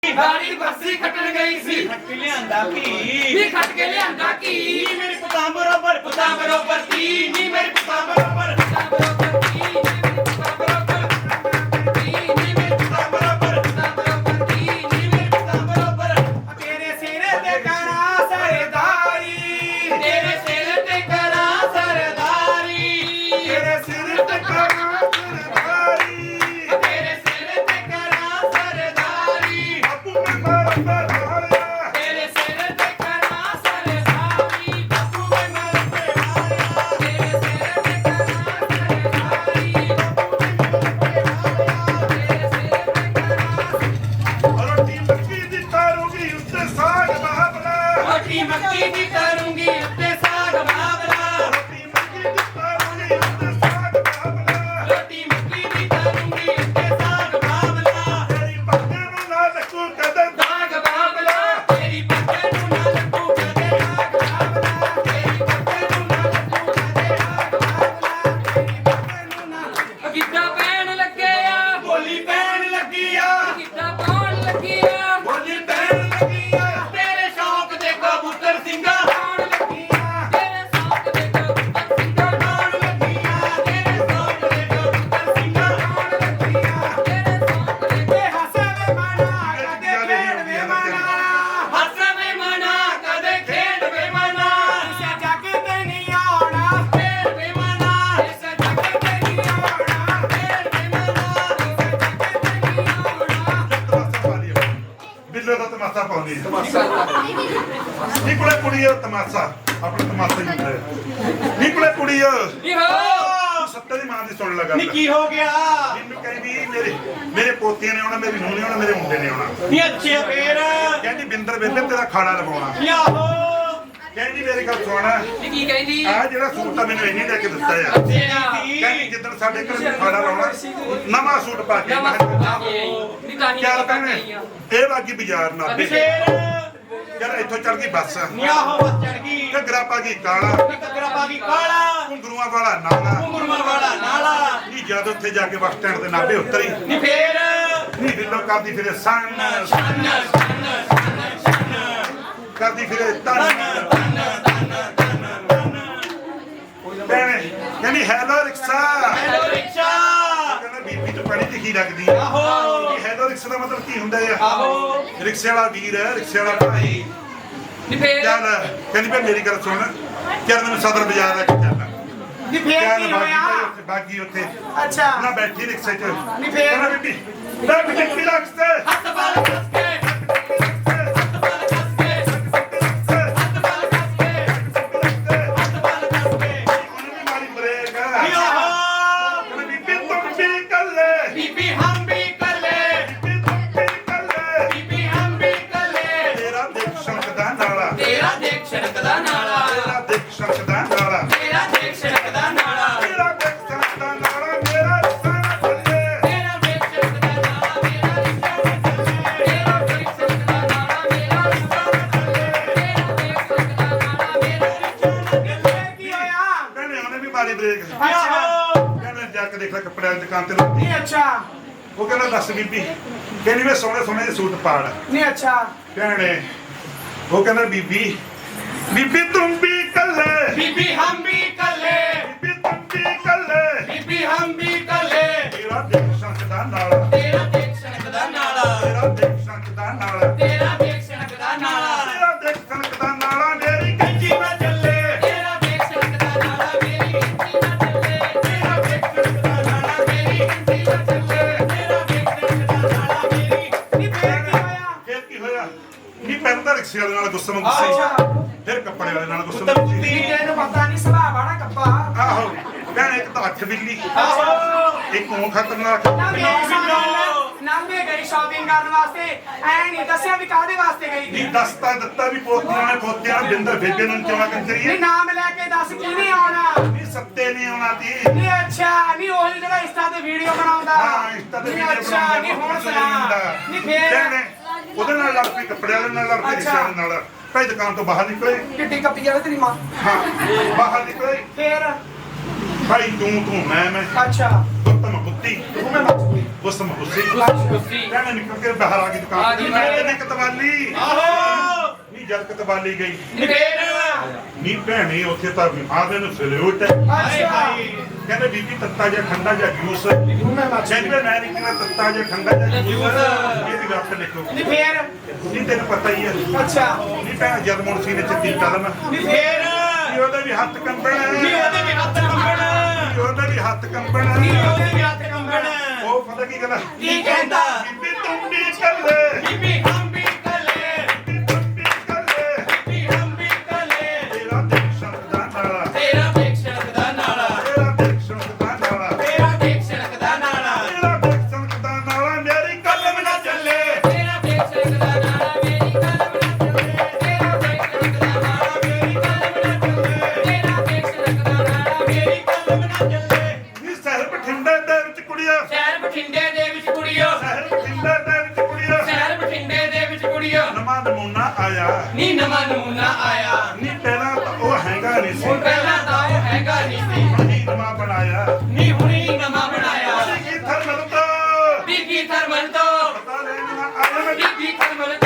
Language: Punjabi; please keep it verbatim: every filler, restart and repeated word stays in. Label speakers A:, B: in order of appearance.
A: ਦਾੜੀ ਬਰਸੀ ਖੱਟਣ ਗਈ ਸੀ।
B: ਖੱਟ ਕੇ ਲਿਆਂਦਾ ਕੀ
A: ਨੀ ਖੱਟ ਕੇ ਲਿਆਂਦਾ ਕੀ
B: ਨੀ ਮੇਰੇ ਪੁੱਤਾਂ ਬਰੋਬਰ
A: ਪੁੱਤਾਂ ਬਰੋਬਰ ਤੀ ਨੀ ਮੇਰੇ ਪੁੱਤਾਂ ਬਰੋਬਰ ਪੁੱਤਾਂ ਬਰੋਬਰ ਤੀ ਨੀ ਮੇਰੇ ਪੁੱਤਾਂ ਬਰੋਬਰ ਤੀ ਨੀ ਮੇਰੇ ਪੁੱਤਾਂ ਬਰੋਬਰ ਪੁੱਤਾਂ ਬਰੋਬਰ ਤੀ ਨੀ ਮੇਰੇ ਪੁੱਤਾਂ ਬਰੋਬਰ
B: ਤੇਰੇ ਸਿਰ ਤੇ ਕਰਾਂ ਸਰਦਾਰੀ
A: ਤੇਰੇ ਸਿਰ ਤੇ ਕਰਾਂ ਸਰਦਾਰੀ
B: ਤੇਰੇ ਸਿਰ ਤੇ ਕਰਾਂ ਸਰਦਾਰੀ
A: ਤੇਰੇ ਸਿਰ ਤੇ ਕਰਾਂ ਸਰਦਾਰੀ
B: ਬਾਪੂ ਮੈਂ ਮਰ ਮਾਰਿਆ
A: ਤੇਰੇ ਸਿਰ ਤੇ ਕਰਾਂ ਸਰਦਾਰੀ ਬਾਪੂ ਮੈਂ ਮਰ ਪਿਆਰਿਆ ਤੇਰੇ ਸਿਰ ਤੇ ਕਰਾਂ ਸਰਦਾਰੀ
B: ਰੋਟੀ ਮੱਕੀ ਦੀ ਤਾਰੂਗੀ ਉੱਤੇ ਸਾਗ ਬਾਬਲਾ
A: ਰੋਟੀ ਮੱਕੀ ਦੀ ਕਰੂੰਗੀ ਉੱਤੇ ਸਾਗ ਬਾਬਲਾ
B: ਰੋਟੀ ਮੱਕੀ ਦੀ ਤਾਰੂਗੀ ਉੱਤੇ ਸਾਗ ਬਾਬਲਾ
A: ਰੋਟੀ ਮੱਕੀ ਦੀ ਕਰੂੰਗੀ ਉੱਤੇ ਸਾਗ ਬਾਬਲਾ
B: ਤੇਰੀ ਪੱਕੇ ਨੂੰ ਨਾ ਲੱਗੂ ਕਦੇ
A: ਸਾਗ ਬਾਬਲਾ ਤੇਰੀ ਪੱਕੇ ਨੂੰ ਨਾ ਲੱਗੂ ਕਦੇ ਆਗ ਬਾਬਲਾ ਤੇਰੀ ਪੱਕੇ ਨੂੰ ਨਾ ਲੱਗੂ ਕਦੇ ਆਗ ਬਾਬਲਾ ਤੇਰੀ ਪੱਕੇ ਨੂੰ ਨਾ ਗਿੱਧਾ ਪੈਣ ਲੱਗੇ ਆ
B: ਬੋਲੀ ਪੈਣ ਲੱਗੀ ਆ
A: ਗਿੱਧਾ ਪਾਉਣ ਲੱਗੀ ਆ
B: ਬੋਲੀ ਪੈਣ ਲੱਗੀ ਆ
A: ਤੇਰੇ ਸ਼ੌਕ ਦੇ ਕਬੂਤਰ ਸਿੰਘਾਂ ਆਉਣ ਲੱਗੀ ਆ ਤੇਰੇ ਸ਼ੌਕ ਦੇ ਕਬੂਤਰ ਸਿੰਘਾਂ ਆਉਣ ਲੱਗੀ ਆ ਤੇਰੇ ਸ਼ੌਕ ਦੇ ਕਬੂਤਰ ਸਿੰਘਾਂ ਆਉਣ ਲੱਗੀ ਆ ਤੇਰੇ ਸ਼ੌਕ ਦੇ
B: ਤੇ ਹੱਸੇ ਵੇ ਮਾਣਾ ਕਦੇ ਖੇਡ ਵੇ ਮਾਣਾ
A: ਹੱਸ ਵੇ ਮਨਾ ਕਦੇ ਖੇਡ ਵੇ ਮਨਾ
B: ਇਸੇ ਜੱਗ ਤੇ ਨਹੀਂ ਆਉਣਾ
A: ਖੇਡ ਵੇ ਮਨਾ ਇਸ ਜੱਗ ਤੇ ਨਹੀਂ ਆਉਣਾ ਖੇਡ ਵੇ ਮਨਾ ਇਸ ਜੱਗ ਤੇ ਨਹੀਂ ਆਉਣਾ
B: ਤਮਾਸ਼ਾ ਪਾ ਲਿਓ ਬਿੱਲੇ ਦਾ ਤਮਾਸ਼ਾ ਪਾਉਂਦੀ ਹੈ ਤਮਾਸ਼ਾ ਨੀ ਕੋਲੇ ਕੁੜੀ ਆ ਤਮਾਸ਼ਾ ਆਪਣੇ ਤਮਾਸ਼ੇ ਨੂੰ ਹੁੰਦਾ ਨੀ ਕੋਲੇ ਕੁੜੀ ਆ
A: ਨਿਹੋ
B: ਸੱਤੇ ਦੀ ਮਾਂ ਦੀ ਸੁਣ ਲਗਾ
C: ਨੀ ਕੀ ਹੋ ਗਿਆ
B: ਮੈਨੂੰ ਕਹਿੰਦੀ ਮੇਰੇ ਮੇਰੇ ਪੋਤੀਆਂ ਨੇ ਆਉਣਾ ਮੇਰੀ ਨੂੰਹ ਨੇ ਆਉਣਾ ਮੇਰੇ ਮੁੰਡੇ ਨੇ ਆਉਣਾ
C: ਨੀ ਅੱਛੇ ਫੇਰ
B: ਕਹਿੰਦੀ ਬਿੰਦਰ ਬੇਬੇ ਤੇਰਾ ਖਾਣਾ ਲਵਾਉਣਾ
C: ਨੀ ਆਹੋ
B: ਕਹਿੰਦੀ ਮੇਰੀ ਗੱਲ ਸੁਣਾ
A: ਨੀ ਕੀ ਕਹਿੰਦੀ
B: ਆ ਜਿਹੜਾ ਸੂਟ ਆ ਮੈਨੂੰ ਇੰਨੀ ਲੈ ਕੇ ਦਿੱਤਾ ਆ ਕਹਿੰਦੀ ਜਿੱਦਣ ਸਾਡੇ ਘਰ ਖਾਣਾ ਲਾਉਣਾ ਨਵਾਂ ਸੂਟ ਪਾ ਕੇ ਮੈਂ ਕਿਹਾ,
A: ਨੀ ਤਾਂ ਹੀ
B: ਚੱਲ ਭੈਣੇ ਇਹ ਬਾਗੀ ਬਾਜ਼ਾਰ ਨਾ ਦੇ
C: ਫੇਰ
B: ਯਾਰ ਇੱਥੋਂ ਚੜ ਗਈ ਬੱਸ
C: ਨੀ ਆਹੋ ਬਸ ਚੜ ਗਈ
B: ਘੱਗਰਾ ਪਾ ਗਈ ਕਾਲਾ
C: ਨੀ ਕਗਰਾ ਪਾ ਗਈ ਕਾਲਾ
B: ਘੁੰਗਰੂਆਂ ਵਾਲਾ ਨਾਲਾ
C: ਘੁੰਗਰੂਆਂ ਵਾਲਾ ਨਾਲਾ
B: ਨੀ ਜਦ ਉੱਥੇ ਜਾ ਕੇ ਬੱਸ ਸਟੈਂਡ ਦੇ ਨਾਭੇ ਉਤਰੀ
C: ਨੀ ਫੇਰ
B: ਨੀ ਬਿੱਲੋ ਕਰਦੀ ਫਿਰੇ ਸੰਨ
C: ਛੰਨ ਛੰਨ ਛੰਨ ਛੰਨ
B: ਕਰਦੀ ਫਿਰੇ ਤਨ ਭੈਣੇ ਕਹਿੰਦੀ ਹੈਲੋ ਰਿਕਸ਼ਾ
C: ਹੈਲੋ ਰਿਕਸ਼ਾ
B: ਕਹਿੰਦਾ ਬੀਬੀ ਤੂੰ ਪੜ੍ਹੀ ਲਿਖੀ ਲੱਗਦੀ ਆ
C: ਆਹੋ
B: ਹੈਲੋ ਰਿਕਸ਼ਾ ਦਾ ਮਤਲਬ ਕੀ ਹੁੰਦਾ ਆ
C: ਆਹੋ
B: ਰਿਕਸ਼ੇ ਵਾਲਾ ਵੀਰ ਹੈ ਰਿਕਸ਼ੇ ਵਾਲਾ ਭਾਈ
A: ਨੀ ਫੇਰ
B: ਚੱਲ ਕਹਿੰਦੀ ਭਈ ਮੇਰੀ ਗੱਲ ਸੁਣ ਚੱਲ ਮੈਨੂੰ ਸਦਰ ਬਾਜ਼ਾਰ ਲੈ ਕੇ ਚੱਲ
C: ਨੀ ਫੇਰ
B: ਚੱਲ
C: ਕੀ
B: ਬਾਗੀ
C: ਹੋਇਆ
B: ਭਾਈ ਉੱਥੇ ਬਾਗੀ ਉੱਥੇ
C: ਅੱਛਾ
B: ਨਾ ਬੈਠੀ ਰਿਕਸ਼ੇ 'ਚ
C: ਨੀ ਫੇਰ?
B: ਕਹਿੰਦਾ ਬੀਬੀ ਲੈ ਬੀਬੀ ਰਿਕਸ਼ੇ
A: ਹੱਥ ਬਾਲ ਕੱਸ ਕੇ ਹੱਥ ਬਾਲ ਕੱਸ ਕੇ ਹੱਥ ਬਾਲ ਕੱਸ ਕੇ ਹੱਥ ਬਾਲ ਕੱਸ ਕੇ
B: ਉਹਨੇ ਵੀ ਮਾਰੀ ਬ੍ਰੇਕ
C: ਨੀ ਆਹੋ
B: ਕਹਿੰਦਾ ਬੀਬੀ ਤੁਮ ਵੀ ਕੱਲੇ
A: ਬੀਬੀ ਹਮ ਵੀ ਕੱਲੇ
B: ਬੀਬੀ ਤੁਮ ਵੀ ਕੱਲੇ
A: ਬੀਬੀ ਹਮ ਵੀ ਕੱਲੇ
B: ਤੇਰਾ ਦੇਖ ਸ਼ਣਕਦਾ ਨਾਲਾ
A: ਤੇਰਾ ਦੇਖ ਛੜਕਦਾ ਨਾਲਾ
B: ਤੇਰਾ ਦੇਖ ਸ਼ਣਕਦਾ ਨਾਲਾ
A: ਤੇਰਾ ਦੇਖ ਛੜਕਦਾ ਨਾਲਾ
B: ਤੇਰਾ ਦੇਖ ਸ਼ਣਕਦਾ ਨਾਲਾ ਮੇਰਾ ਰਿਕਸ਼ਾ ਨਾ ਚੱਲੇ
A: ਤੇਰਾ ਦੇਖ ਛੜਕਦਾ ਨਾਲਾ ਮੇਰਾ ਰਿਸ਼ਤਾ ਨਾ ਚੱਲੇ ਤੇਰਾ ਦੇਖ ਛੜਕਦਾ ਨਾਲਾ ਮੇਰਾ ਰਿਸ਼ਤਾ ਨਾ ਚੱਲੇ ਤੇਰਾ ਦੇਖ ਛੜਕਦਾ ਨਾਲਾ ਮੇਰਾ ਰਿਸ਼ਤਾ ਨਾ ਚੱਲੇ
C: ਕੀ ਹੋਇਆ
B: ਕਹਿੰਦੇ ਉਹਨੇ ਵੀ ਮਾਰੀ ਬ੍ਰੇਕ
C: ਆਹੋ
B: ਕਹਿੰਦਾ ਜਾ ਕੇ ਦੇਖ ਲੈ ਕੱਪੜਿਆਂ ਦੀ ਦੁਕਾਨ ਤੇ ਲੱਗੀ
C: ਨੀ ਅੱਛਾ
B: ਉਹ ਕਹਿੰਦਾ ਦੱਸ ਬੀਬੀ ਕਹਿੰਦੀ ਵੇ ਸੋਹਣੇ ਸੋਹਣੇ ਜਿਹੇ ਸੂਟ ਪਾੜ
C: ਨੀ ਅੱਛਾ
B: ਭੈਣੇ ਉਹ ਕਹਿੰਦਾ ਬੀਬੀ ਬੀਬੀ ਤੁਮ ਵੀ ਕੱਲੇ
A: ਬੀਬੀ ਹਮ ਵੀ ਕੱਲੇ
B: ਬੀਬੀ ਤੁਮ ਵੀ ਕੱਲੇ
A: ਬੀਬੀ ਹਮ ਵੀ ਕੱਲੇ
B: ਤੇਰਾ ਦੇਖ ਸ਼ਣਕਦਾ ਨਾਲਾ
A: ਤੇਰਾ ਦੇਖ ਛੜਕਦਾ ਨਾਲਾ
B: ਤੇਰਾ ਦੇਖ ਸ਼ਣਕਦਾ ਨਾਲਾ
A: ਤੇਰਾ ਦੇਖ ਛੜਕਦਾ ਨਾਲਾ
B: ਤੇਰਾ ਦੇਖ ਸ਼ਣਕਦਾ ਨਾਲਾ ਮੇਰੀ ਕੱਚੀ ਨਾ ਚੱਲੇ
A: ਤੇਰਾ ਦੇਖ ਛੜਕਦਾ ਨਾਲਾ ਮੇਰੀ ਗਿਣਤੀ ਨਾ ਚੱਲੇ ਤੇਰਾ ਦੇਖ ਛੜਕਦਾ ਨਾਲਾ ਮੇਰੀ ਗਿਣਤੀ ਨਾ ਚੱਲੇ ਤੇਰਾ ਦੇਖ ਛੜਕਦਾ ਨਾਲਾ ਮੇਰੀ
C: ਨੀ ਫੇਰ ਕੀ ਹੋਇਆ
B: ਫਿਰ ਕੀ ਹੋਇਆ ਨੀ ਪਹਿਲਾਂ ਤਾਂ ਰਿਕਸ਼ੇ ਵਾਲੇ ਨਾਲ ਗੁੱਸੇ ਨੂੰ ਗੁੱਸੇ
C: ਅੱਛਾ
B: ਫਿਰ ਕੱਪੜੇ ਵਾਲੇ ਨਾਲ ਗੁੱਸੇ ਨੂੰ ਗੁੱਸੇ
C: ਨੀ ਤੈਨੂੰ ਪਤਾ ਨਹੀਂ ਸੁਭਾਅ ਵਾਲਾ ਕੱਪਾ
B: ਆਹੋ ਭੈਣੇ ਇੱਕ ਤਾਂ ਅੱਖ ਬਿੱਲੀ
C: ਆਹੋ
B: ਇੱਕ ਉਹ ਖਤਰਨਾਕ
C: ਨਾ ਮੇਰੀ ਸਾਹਮਣੇ ਨਾਮੇ ਗਈ ਸ਼ਾਪਿੰਗ ਕਰਨ ਵਾਸਤੇ ਐ ਨਹੀਂ ਦੱਸਿਆ ਵੀ ਕਾਹਦੇ ਵਾਸਤੇ ਗਈ
B: ਨੀ
C: ਸੀ
B: ਦਸਤਾ ਦਿੱਤਾ ਵੀ ਪੋਤੀਆਂ ਨੇ ਪੋਤਿਆਂ ਨੇ ਬਿੰਦਰ ਬੇਬੇ ਨੂੰ ਚਵਾ
C: ਨੀ
B: ਕਰੀਏ
C: ਨਾਮ ਲੈ ਕੇ ਦੱਸ ਕਿਹਨੇ ਆਉਣਾ
B: ਨੀ ਸੱਤੇ ਨੇ ਆਉਣਾ ਤੀ
C: ਨੀ ਅੱਛਾ ਨੀ ਉਹੀ ਜਿਹੜਾ ਇੰਸਟਾ ਤੇ ਵੀਡੀਓ ਬਣਾਉਂਦਾ
B: ਹਾਂ ਇਸ ਤਰ੍ਹਾਂ ਦੇ
C: ਨੀ
B: ਵੀਡੀਓ
C: ਅੱਛਾ ਨੀ ਹੁਣ ਸੁਣਾ ਨੀ ਫੇਰ
B: ਭੈਣੇ ਉਹਦੇ ਨਾਲ ਲੜ ਪਈ ਕੱਪੜੇ ਵਾਲੇ ਨਾਲ ਲੜ ਪਈ ਰਿਕਸ਼ੇ ਵਾਲੇ ਨਾਲ ਭਾਈ ਦੁਕਾਨ ਤੋਂ ਬਾਹਰ ਨਿਕਲੇ
C: ਕਿੱਡੀ ਕੱਪੀ ਜਾਵੇ ਤੇਰੀ ਮਾਂ
B: ਹਾਂ ਬਾਹਰ ਨਿਕਲੇ
C: ਫੇਰ
B: ਭਾਈ ਤੂੰ ਤੂੰ ਮੈਂ ਮੈਂ
C: ਅੱਛਾ
B: ਗੁੱਤਮ ਬੁੱਤੀ
C: ਤੂੰ ਮੈਂ ਮੱਚ ਗਈ
B: ਹੁਸਮ ਹੁਸੀ
A: ਕੁੱਸੀ
B: ਕਹਿੰਦੇ ਨਿਕਲ ਕੇ ਬਾਹਰ ਆ ਗਈ
A: ਆ
B: ਦੁਕਾਨ
A: ਗਈ
B: ਮੈਂ
A: ਬਾਹਰ।
B: ਤੇ ਕਤਵਾਲੀ
D: ਆਹੋ
B: ਨਹੀਂ ਜਦ ਕਤਵਾਲੀ ਗਈ
D: ਨਿਬੇੜ
B: ਨੀ ਭੈਣੇ ਉੱਥੇ ਤਾਂ ਆਦੇ ਨੂੰ ਸਲੂਟ
D: ਹਾਏ ਹਾਏ
B: ਕਹਿੰਦੇ ਬੀਬੀ ਤੱਤਾ ਜਾਂ ਠੰਡਾ ਜਾਂ ਜੂਸ ਕਹਿੰਦੇ ਮੈਂ ਨਹੀਂ ਕਹਿੰਦਾ ਤੱਤਾ ਜਾਂ ਠੰਡਾ ਜਾਂ ਜੂਸ ਇਹਦੀ ਗੱਲ ਲਿਖੋ
C: ਨਹੀਂ ਫੇਰ
B: ਨਹੀਂ ਤੈਨੂੰ ਪਤਾ ਹੀ ਹੈ
C: ਅੱਛਾ
B: ਨਹੀਂ ਭੈਣ ਜਦ ਮੁਨਸੀ ਨੇ ਚੱਤੀ ਕਦਮ
D: ਨਿਬੇੜ
B: ਨਹੀਂ ਉਹਦਾ ਵੀ ਹੱਥ ਕੰਬਣ
D: ਨੀ ਉਹਦੇ ਵੀ ਹੱਥ ਕੰਬਣ
B: ਨਹੀਂ ਉਹਦਾ ਵੀ ਹੱਥ ਕੰਬਣ
D: ਨੀ ਉਹਦੇ ਵੀ ਹੱਥ ਕੰਬਣ
B: ਉਹ ਪਤਾ ਕੀ ਕਹਿੰਦਾ
D: ਕੀ ਕਹਿੰਦਾ
B: ਬੀਬੀ ਤੂੰ ਵੀ ਚੱਲੇ
D: ਬੀਬੀ ਹਮ ਵੀ ਕਲੇ
B: ਬੀਬੀ ਤੂੰ ਵੀ ਚੱਲੇ
D: ਬੀਬੀ ਹਮ ਵੀ ਕਲੇ
B: ਤੇਰਾ ਦੇਖ ਸਕਦਾ ਨਾਲਾ
D: ਤੇਰਾ ਦੇਖ ਸੜਕਦਾ ਨਾਲਾ
B: ਤੇਰਾ ਦੇਖ ਸਕਦਾ ਨਾਲਾ
D: ਤੇਰਾ ਦੇਖ ਸੜਕਦਾ ਨਾਲਾ
B: ਤੇਰਾ ਦੇਖ ਸਕਦਾ ਨਾਲਾ ਮੇਰੀ ਕਲਮ ਨਾ ਚੱਲੇ
A: ਤੇਰਾ ਦੇਖ ਸਕਦਾ ਨਾਲਾ ਮੇਰੀ ਕਲਮ ਨਾ ਚੱਲੇ ਤੇਰਾ ਦੇਖ ਸਕਦਾ ਨਾਲਾ ਮੇਰੀ ਕਲਮ ਨਾ ਚੱਲੇ ਤੇਰਾ ਦੇਖ ਸਕਦਾ ਨਾਲਾ ਮੇਰੀ
D: ਕਲਮ ਨਾ ਚੱਲੇ
B: ਨੀ ਸ਼ਹਿਰ ਬਠਿੰਡੇ ਦੇ ਵਿੱਚ ਕੁੜੀਆਂ
A: ਸ਼ਹਿਰ ਬਠਿੰਡੇ ਦੇ ਵਿੱਚ ਕੁੜੀਓ
B: ਸ਼ਹਿਰ ਬਠਿੰਡੇ ਦੇ ਵਿੱਚ ਕੁੜੀਆਂ
A: ਸ਼ਹਿਰ ਬਠਿੰਡੇ ਦੇ ਵਿੱਚ ਕੁੜੀਓ
B: ਨਵਾਂ ਨਮੂਨਾ ਆਇਆ
A: ਨੀ ਨਵਾਂ ਨਮੂਨਾ ਆਇਆ
B: ਨੀ ਪਹਿਲਾਂ ਤਾਂ ਉਹ ਹੈਗਾ ਨਹੀਂ ਸੀ
A: ਹੁਣ ਪਹਿਲਾਂ ਤਾਂ ਉਹ ਹੈਗਾ ਨਹੀਂ ਸੀ
B: ਹੁਣ ਹੀ ਨਵਾਂ ਬਣਾਇਆ
A: ਨੀ ਹੁਣੀ ਨਵਾਂ ਬਣਾਇਆ
B: ਕੀ ਥਰਮਲ ਤੋਂ
A: ਬੀਬੀ ਥਰਮਲ ਤੋਂ
B: ਪਤਾ ਲੈਣਾ ਆਇਆ ਮੈਂ
A: ਬੀਬੀ ਥਰਮਲ